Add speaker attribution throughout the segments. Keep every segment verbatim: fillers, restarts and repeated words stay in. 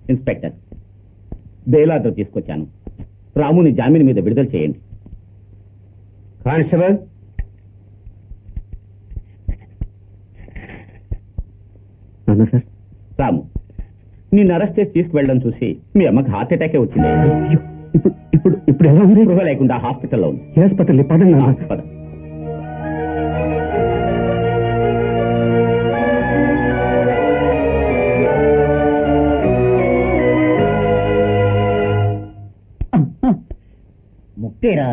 Speaker 1: Inspector, bail order తీసుకొచ్చాను. రాముని జామీన్ మీద విడుదల చేయండి.
Speaker 2: కానిస్టేబుల్,
Speaker 1: అన్నా సార్. రాము, నిన్ను అరెస్ట్ చేసి తీసుకువెళ్ళడం చూసి మీ అమ్మకి హార్ట్ అటాకే వచ్చింది.
Speaker 2: ఇప్పుడు ఇప్పుడు ఇప్పుడు ఎలా ఉంది?
Speaker 1: గృహ లేకుండా హాస్పిటల్లో ఉంది.
Speaker 2: హాస్పిటల్ పదండి.
Speaker 1: పద.
Speaker 2: ముక్తేరా.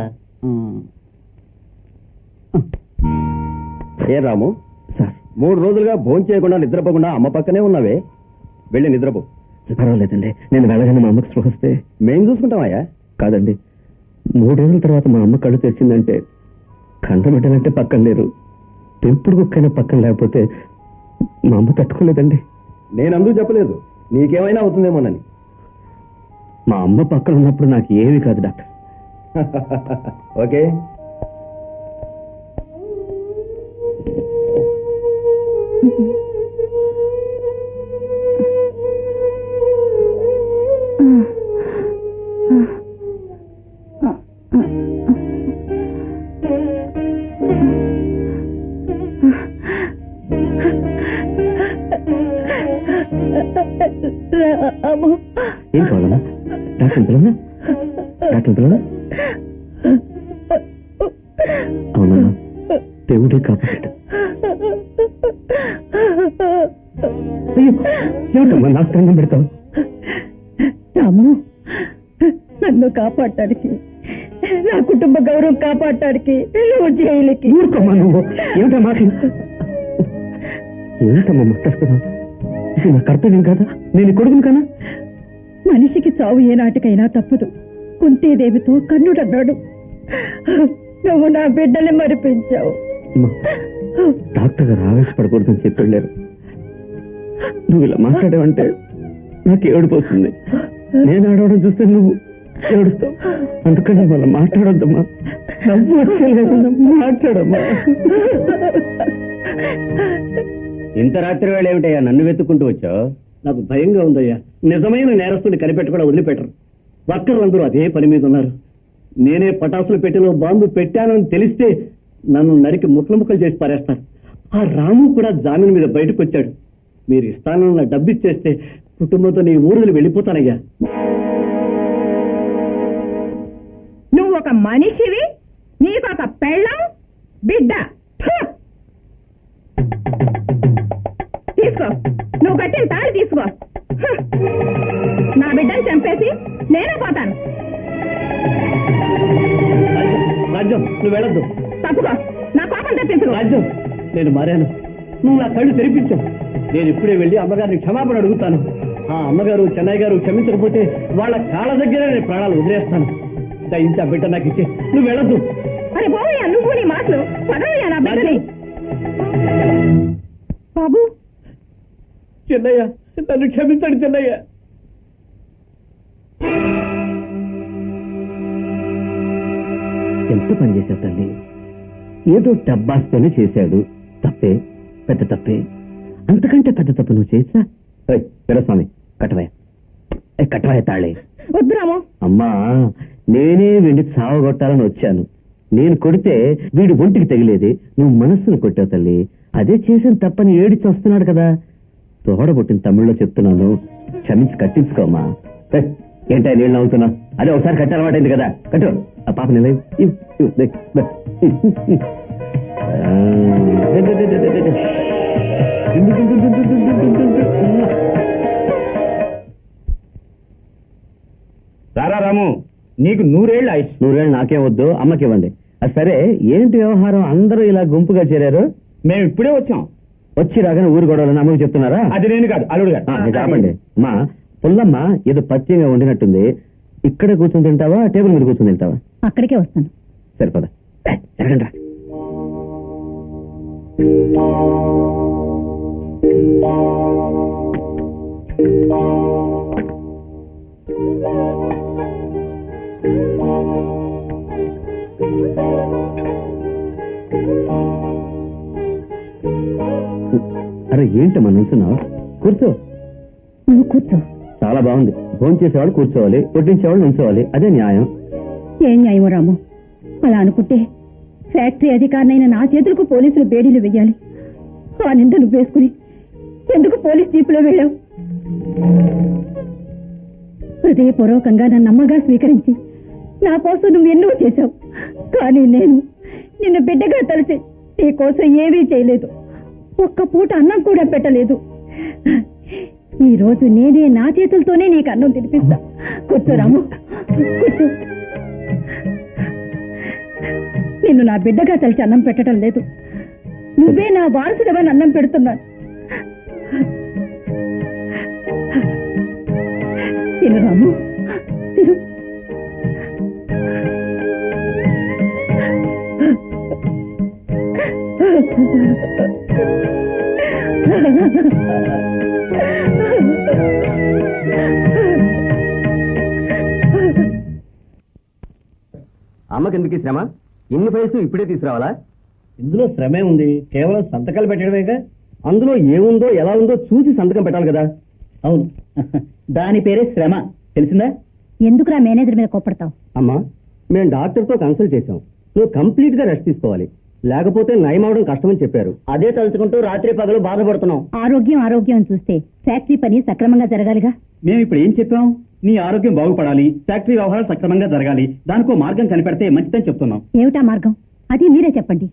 Speaker 2: ఏ రాము సార్, మూడు రోజులుగా భోజనం చేయకుండా నిద్రపోకుండా అమ్మ పక్కనే ఉన్నావే, వెళ్ళి నిద్రపో. పర్వాలేదండి, నేను వెళ్ళగానే మా అమ్మకి స్పృహ వస్తే మేం చూసుకుంటామయ్యా. కాదండి, మూడు రోజుల తర్వాత మా అమ్మ కళ్ళు తెరిచిందంటే కంట పెట్టాలంటే పక్కన లేరు, పెంపుడు కుక్కైనా పక్కన లేకపోతే మా అమ్మ తట్టుకోలేదండి. నేను అందుకు చెప్పలేదు, నీకేమైనా అవుతుందేమోనని. మా అమ్మ పక్కన ఉన్నప్పుడు నాకు ఏమీ కాదు డాక్టర్. ఓకే. ఏం కావాలమ్మా? డాక్టర్ పిల్లనా? డాక్టర్ పిల్లనా? అవునా? దేవుడే కాపాడు. ఏమిటమ్మా నా స్థానం పెడతావు?
Speaker 3: రాము, నన్ను కాపాడటానికి, నా కుటుంబ గౌరవం కాపాడటానికి నువ్వు జైలుకి.
Speaker 2: ఊరుకోమ్మా నువ్వు. ఏమిటా మాట? ఏమిటమ్మా మాట్లాడుతున్నావు? ఇది నా కర్తవ్యం కాదా? నేను కొడుకును కానా?
Speaker 3: మనిషికి చావు ఏనాటికైనా తప్పదు. కుంతీదేవితో కన్నుడన్నాడు. నువ్వు నా బిడ్డని మరిపించావు.
Speaker 2: డాక్టర్ గారు ఆవేశపడకూడదని చెప్పి వెళ్ళారు. నువ్వు ఇలా మాట్లాడావంటే నాకు ఏడుపోతుంది. నేను ఆడవడం చూస్తే నువ్వు ఏడుస్తావు. అందుకని వాళ్ళ మాట్లాడొద్దమ్మా. నవ్వు వచ్చేలేదమ్మా, మాట్లాడమ్మా.
Speaker 1: ఇంత రాత్రి వేళ ఏమిటయ్యా నన్ను వెతుక్కుంటూ వచ్చావు?
Speaker 2: నాకు భయంగా ఉందయ్యా. నిజమైన నేరస్తుని కనిపెట్టకుండా వదిలిపెట్టరు. వర్కర్లందరూ అదే పని మీద ఉన్నారు. నేనే పటాసులు పెట్టిలో బాంబు పెట్టానని తెలిస్తే నన్ను నరికి ముక్కలు ముక్కలు చేసి పారేస్తారు. ఆ రాము కూడా జామీన్ మీద బయటకు వచ్చాడు. మీరు ఇస్తానన్న డబ్బు ఇచ్చేస్తే కుటుంబంతో నీ ఊరులు వెళ్ళిపోతానయ్యా.
Speaker 3: నువ్వు ఒక మనిషివి, నీకొక పెళ్ళం, బిడ్డ. తీసుకో, నువ్వు కట్టిన తాళి తీసుకో. నా బిడ్డను చంపేసి నేనే పోతాను.
Speaker 2: రాజ్యం, నువ్వు వెళ్ళొద్దు.
Speaker 3: తప్పుకో, నా కోపం తెప్పించుకో.
Speaker 2: రాజ్యం, నేను మారాను. నువ్వు నా కళ్ళు తెరిపించావు. నేను ఇప్పుడే వెళ్ళి అమ్మగారిని క్షమాపణ అడుగుతాను. ఆ అమ్మగారు చెన్నై గారు క్షమించకపోతే వాళ్ళ కాళ్ళ దగ్గరే నేను ప్రాణాలు వదిలేస్తాను. దయించి ఆ బిడ్డ నాకు ఇచ్చే. నువ్వు వెళ్ళొద్దు.
Speaker 3: అరే బాబయ్యా, నువ్వు నీ మాటలు పదవయ్యా నా బిడ్డని. బాబు,
Speaker 2: చెన్నయ్య, నన్ను క్షమించండి చెన్నయ్య. ఎంత పని చేశావు తల్లి? ఏదో టబ్బాస్తోనే చేశాడు. తప్పే, పెద్ద తప్పే. అంతకంటే పెద్ద తప్పు నువ్వు చేసా? వీరస్వామి, కట్టవయ్య, కట్టవయ్య తాళే.
Speaker 3: వద్దురామో.
Speaker 2: అమ్మా, నేనే వెండి సావగొట్టాలని వచ్చాను. నేను కొడితే వీడు ఒంటికి తగిలేది, నువ్వు మనస్సును కొట్టావు తల్లి. అదే చేసిన తప్పని ఏడిచి వస్తున్నాడు కదా. తోడబుట్టిన తమిళ్లో చెప్తున్నాను, క్షమించి కట్టించుకోమ్మా. ఏంటా నీళ్ళు నవ్వుతున్నా? అదే ఒకసారి కట్టే అలవాటైంది కదా, కట్టు. ఆ పాప నిల
Speaker 1: రారా రాము, నీకు నూరేళ్ళు ఆయుష్.
Speaker 2: నూరేళ్ళు నాకే వద్దు, అమ్మకివ్వండి. అది సరే, ఏంటి వ్యవహారం? అందరూ ఇలా గుంపుగా చేరారు.
Speaker 1: మేము ఇప్పుడే వచ్చాం.
Speaker 2: వచ్చి రాగానే ఊరు గొడవలని అమ్మకి చెప్తున్నారా?
Speaker 1: అది నేను కాదు, అల్లుడు గారు.
Speaker 2: ఆపండి. మా పుల్లమ్మ ఏదో పత్యంగా వండినట్టుంది. ఇక్కడే కూర్చొని తింటావా, టేబుల్ మీద కూర్చొని తింటావా?
Speaker 3: అక్కడికే వస్తాను.
Speaker 2: సరిపదా, జరగండి రా. అరే ఏంటమ్మా నుంచున్నావు? కూర్చో.
Speaker 3: నువ్వు కూర్చో.
Speaker 2: చాలా బాగుంది. ఫోన్ చేసేవాళ్ళు కూర్చోవాలి, వడ్డించేవాళ్ళు ఉంచోవాలి, అదే న్యాయం.
Speaker 3: ఏం న్యాయమో రాము, అలా అనుకుంటే ఫ్యాక్టరీ అధికారినైన నా చేతులకు పోలీసులు బేడీలు వెయ్యాలి. ఆ నింద నువ్వు వేసుకుని ఎందుకు పోలీస్ జీపులో వెళ్ళావు? హృదయపూర్వకంగా నన్ను అమ్మగా స్వీకరించి నా కోసం నువ్వు ఎన్నో చేశావు. కానీ నేను నిన్ను బిడ్డగా తలచి నీ కోసం ఏమీ చేయలేదు. ఒక్క పూట అన్నం కూడా పెట్టలేదు. ఈ రోజు నేనే నా చేతులతోనే నీకు అన్నం తినిపిస్తా. కూర్చో రాము, కూర్చో. నిన్ను నా బిడ్డగా తలిచి అన్నం పెట్టడం లేదు, నువ్వే నా వారసుడవని అన్నం పెడుతున్నాను. తిను రాము, తిను.
Speaker 2: అమ్మకెందుకు శ్రమ? ఇన్ని ఫైల్స్ ఇప్పుడే తీసుకురావాలా?
Speaker 1: ఇందులో శ్రమే ఉంది, కేవలం సంతకాలు పెట్టడమేగా.
Speaker 2: అందులో ఏముందో ఎలా ఉందో చూసి సంతకం పెట్టాలి కదా.
Speaker 1: అవును, దాని పేరే శ్రమ, తెలిసిందా?
Speaker 3: ఎందుకురా మేనేజర్ మీద కోపడతావు?
Speaker 2: అమ్మా, మేము డాక్టర్ తో కన్సల్ట్ చేశాం. నువ్వు కంప్లీట్ గా రెస్ట్ తీసుకోవాలి, లేకపోతే నయం అవడం కష్టమని చెప్పారు.
Speaker 1: అదే తలుచుకుంటూ రాత్రి పగలు బాధపడుతున్నాం.
Speaker 3: ఆరోగ్యం ఆరోగ్యం అని చూస్తే ఫ్యాక్టరీ పని సక్రమంగా జరగాలిగా.
Speaker 1: మేము ఇప్పుడు ఏం చెప్పాం? నీ ఆరోగ్యం బాగుపడాలి, ఫ్యాక్టరీ వ్యవహారాలు సక్రమంగా జరగాలి, దానికో మార్గం కనిపెడితే మంచిదని చెప్తున్నాం.
Speaker 3: ఏమిటా మార్గం? అది మీరే చెప్పండి.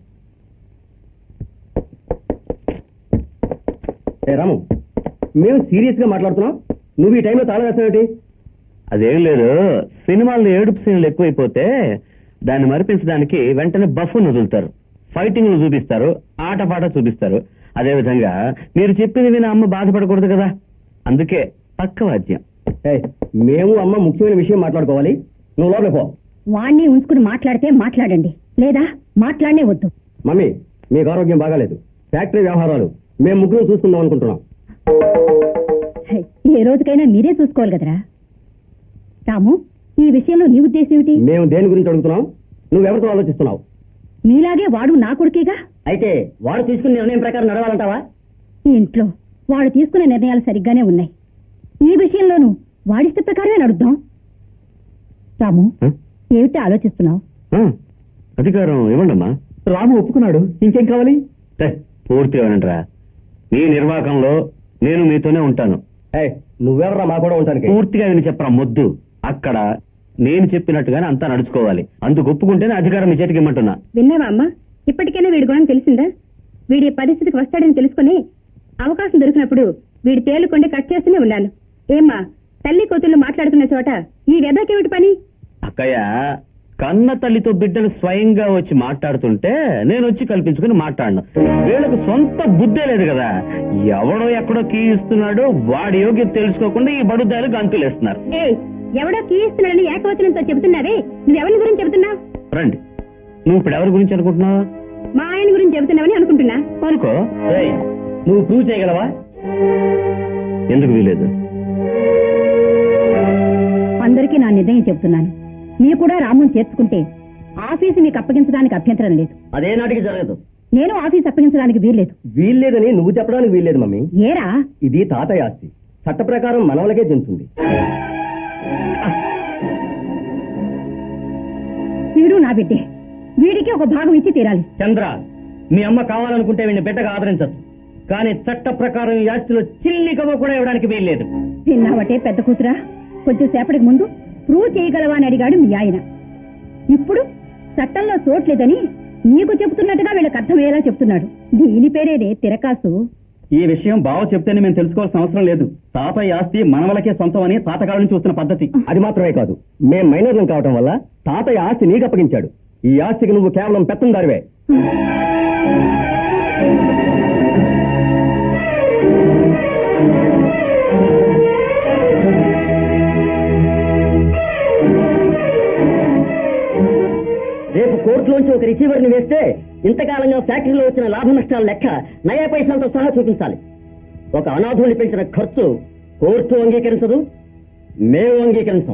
Speaker 2: ఏ రాము, మేము సీరియస్ గా మాట్లాడుతున్నాం, నువ్వు ఈ టైంలో తాళం వేస్తావేంటి?
Speaker 4: అదేం లేదు, సినిమాల్లో ఏడుపు సీన్లు ఎక్కువైపోతే దాన్ని మరిపించడానికి వెంటనే బఫ్ను వదులుతారు, ఫైటింగ్లు చూపిస్తారు, ఆటపాట చూపిస్తారు. అదే విధంగా మీరు చెప్పింది విని అమ్మ బాధపడకూడదు కదా, అందుకే పక్క వాద్యం.
Speaker 2: ఏయ్, మేము అమ్మ ముఖ్యమైన విషయం మాట్లాడుకోవాలి, నువ్వు లోపల పో.
Speaker 3: వాణ్ణి ఉంచుకుని మాట్లాడితే మాట్లాడండి, లేదా మాట్లాడనే వద్దు.
Speaker 2: మమ్మీ, మీకు ఆరోగ్యం బాగాలేదు, ఫ్యాక్టరీ వ్యవహారాలు మేము ముగ్గురు చూసుకుందాం అనుకుంటున్నాం.
Speaker 3: హై, ఏ రోజుకైనా మీరే చూసుకోవాలి కదరా. రాము, ఈ విషయంలో నీ ఉద్దేశం ఏమిటి?
Speaker 2: మేము దేని గురించి అడుగుతున్నాం, నువ్వెవరితో ఆలోచిస్తున్నావు?
Speaker 3: మీలాగే వాడు నా కొడుకేగా.
Speaker 1: అయితే వాడు తీసుకున్న నిర్ణయం ప్రకారం నడవాలంటావా?
Speaker 3: ఈ ఇంట్లో వాడు తీసుకునే నిర్ణయాలు సరిగ్గానే ఉన్నాయి. ఈ విషయంలోనూ వాడిష్ట ప్రకారమే నడుద్దాం. రాము,
Speaker 4: ఆ?
Speaker 3: ఏమిటి ఆలోచిస్తున్నావు?
Speaker 4: ఆ, అధికారం ఇవ్వండమ్మా.
Speaker 1: రాము ఒప్పుకున్నాడు, ఇంకేం కావాలి?
Speaker 4: టే, పూర్తిగా వినండిరా. మీ నిర్వాహకంలో నేను మీతోనే ఉంటాను.
Speaker 2: ఏయ్, నువ్వెవరా మా కూడా ఉంటానికి?
Speaker 4: పూర్తిగా విని చెప్పరా మొద్దు. అక్కడ నేను చెప్పినట్టుగానే అంతా నడుచుకోవాలి. అందుకు ఒప్పుకుంటేనే అధికారం మీ చేతికి ఇమ్మంటున్నా.
Speaker 3: విన్నావా అమ్మా? ఇప్పటికైనా వీడి గుణం తెలిసిందా? వీడి పరిస్థితికి వస్తాడని తెలుసుకుని అవకాశం దొరికినప్పుడు వీడి తేలుకొండి కట్ చేస్తూనే ఉన్నాను. ఏమ్మా, తల్లి కూతుళ్ళు మాట్లాడుకున్న చోట ఈ వెదకేమిటి పని?
Speaker 4: అక్కయ్య, కన్న తల్లితో బిడ్డలు స్వయంగా వచ్చి మాట్లాడుతుంటే నేను వచ్చి కల్పించుకుని మాట్లాడను. వీళ్ళకు సొంత బుద్ధే లేదు కదా. ఎవడో ఎక్కడో కీ ఇస్తున్నాడో వాడి యోగ్యత తెలుసుకోకుండా ఈ బడుద్దాలు గంతులేస్తున్నారు.
Speaker 3: ఏయ్, ఎవడో కీయిస్తున్నాడని ఏకవచనంతో చెబుతున్నావే, నువ్వెవరి గురించి చెబుతున్నావు?
Speaker 4: రండి, నువ్వు ఇప్పుడు ఎవరి గురించి అనుకుంటున్నావు?
Speaker 3: మా ఆయన గురించి చెబుతున్నావని అనుకుంటున్నా.
Speaker 4: అనుకో.
Speaker 1: ఏయ్, నువ్వు ప్రూవ్ చేయగలవా?
Speaker 4: ఎందుకు వీలేదు?
Speaker 3: అందరికీ నా నిర్ణయం చెబుతున్నాను. మీరు కూడా రాముని చేర్చుకుంటే ఆఫీసు మీకు అప్పగించడానికి అభ్యంతరం లేదు.
Speaker 1: అదే నాటికి జరగదు.
Speaker 3: నేను ఆఫీస్ అప్పగించడానికి వీల్లేదు.
Speaker 2: వీల్లేదని నువ్వు చెప్పడానికి వీల్లేదు మమ్మీ.
Speaker 3: ఏరా?
Speaker 2: ఇది తాతయ్య ఆస్తి, చట్ట ప్రకారం మనవలకే చెందుతుంది.
Speaker 3: వీడు నా బిడ్డే, వీడికి ఒక భాగం ఇచ్చి తీరాలి.
Speaker 1: చంద్ర, మీ అమ్మ కావాలనుకుంటే వీడిని బిడ్డగా ఆదరించదు, కానీ చట్ట ప్రకారం ఈ ఆస్తిలో చిల్లి కవ్వ కూడా ఇవ్వడానికి వీల్లేదు.
Speaker 3: విన్నావటే పెద్ద కూతురా, కొద్దిసేపటికి ముందు ప్రూవ్ చేయగలవా అని అడిగాడు మీ ఆయన. ఇప్పుడు చట్టంలో చోట్లేదని నీకు చెబుతున్నట్టుగా వీళ్ళకి అర్థమయ్యేలా చెప్తున్నాడు. దీని పేరేనే తిరకాసు.
Speaker 1: ఈ విషయం బావ చెప్తేనే మేము తెలుసుకోవాల్సిన అవసరం లేదు. తాతయ్య ఆస్తి మనవలకే సొంతం అని తాతకాలం నుంచి చూస్తున్న పద్ధతి.
Speaker 2: అది మాత్రమే కాదు, మేం మైనర్లం కావటం వల్ల తాతయ్య ఆస్తి నీకు అప్పగించాడు. ఈ ఆస్తికి నువ్వు కేవలం పెత్తందారివే.
Speaker 1: రేపు కోర్టులోంచి ఒక రిసీవర్ ని వేస్తే ఇంతకాలంగా ఫ్యాక్టరీలో వచ్చిన లాభ నష్టాల లెక్క నయా పైసలతో సహా చూపించాలి. ఒక అనాథుని పెంచిన ఖర్చు కోర్టు అంగీకరించదు, మేము అంగీకరించాం.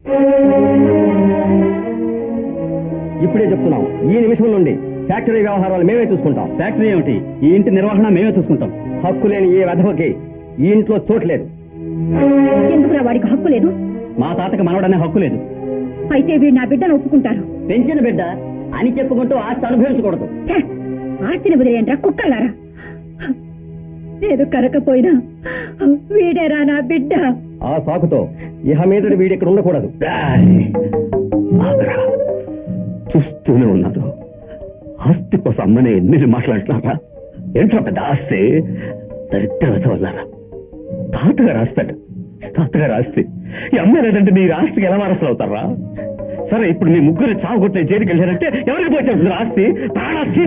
Speaker 2: ఇప్పుడే చెప్తున్నాం, ఈ నిమిషం నుండి ఫ్యాక్టరీ వ్యవహారాలు మేమే చూసుకుంటాం.
Speaker 1: ఫ్యాక్టరీ ఏమిటి, ఈ ఇంటి నిర్వహణ మేమే చూసుకుంటాం.
Speaker 2: హక్కు లేని ఏ వెధవకి ఈ ఇంట్లో చోట్లేదు.
Speaker 3: ఎందుకు ఎందుకురా వాడికి హక్కు లేదు?
Speaker 2: మా తాతకి మనవడనే హక్కు లేదు.
Speaker 3: అయితే వీడు నా బిడ్డను ఒప్పుకుంటారు.
Speaker 1: పెంచిన బిడ్డ అని చెప్పుకుంటూ ఆస్తి అనుభవించకూడదు.
Speaker 3: ఛే! ఆస్తిని వదిలేయండిరా కుక్కలారా. నేను కరకపోయినా వీడేరా నా బిడ్డ.
Speaker 2: ఆ సాకుతో ఇహ మీదటి వీడి ఇక్కడ ఉండకూడదు.
Speaker 4: ఆగరా. చూస్తూనే ఉన్నారు. ఆస్తి కోసం అమ్మనే ఎన్ని మాట్లాడుతున్నారా? ఏంట్రా పెద్ద ఆస్తి? దరిద్రత వల్లారా. తాతగారు ఆస్తాడు. తాతగారు ఆస్తి ఈ అమ్మ లేదంటే మీరు ఆస్తికి ఎలా వారసులు అవుతారా? సరే, ఇప్పుడు మీ ముగ్గురు చావు కొట్టిన జైలుకి వెళ్ళారంటే ఎవరికి పోయి ఆస్తి? ప్రాణాస్తి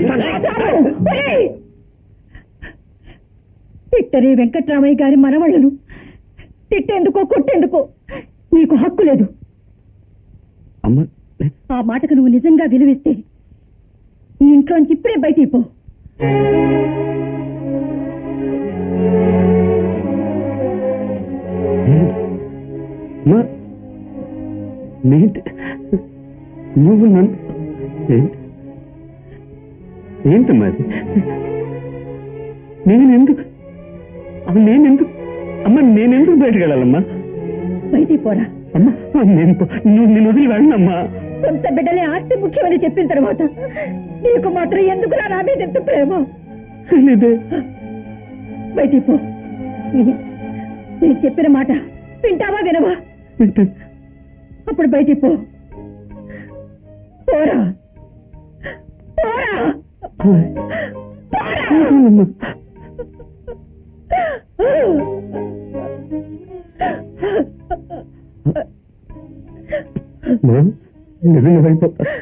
Speaker 3: తిట్టని వెంకట్రామయ్య గారి మనవళ్ళను తిట్టేందుకో కొట్టేందుకో నీకు హక్కు లేదు.
Speaker 4: అమ్మ,
Speaker 3: ఆ మాటకు నువ్వు నిజంగా విలువిస్తే ఈ ఇంట్లోంచి ఇప్పుడే బయటికి పో.
Speaker 4: అమ్మా, ఏంటి నువ్వు నన్ను ఏంటి ఏంటమ్మా అది? నేనెందుకు అమ్మ నేనెందుకు అమ్మ నేనెందుకు బయటకు వెళ్ళాలమ్మా?
Speaker 3: బయటికి పోరా.
Speaker 4: అమ్మా, నేను పో- నువ్వు నేను వదిలి వెళ్ళనమ్మా.
Speaker 3: సొంత బిడ్డలే ఆస్తి ముఖ్యమని చెప్పిన తర్వాత నీకు మాత్రం ఎందుకురా నా మీద ఎంత ప్రేమ?
Speaker 4: తెలీదే.
Speaker 3: బయటికి పో. నేను చెప్పిన మాట వింటావా వినవా? అప్పుడు బయటికి పో. పోరా పోరా
Speaker 4: అమ్మా. అమ్మా, నిజంగా అయిపోతా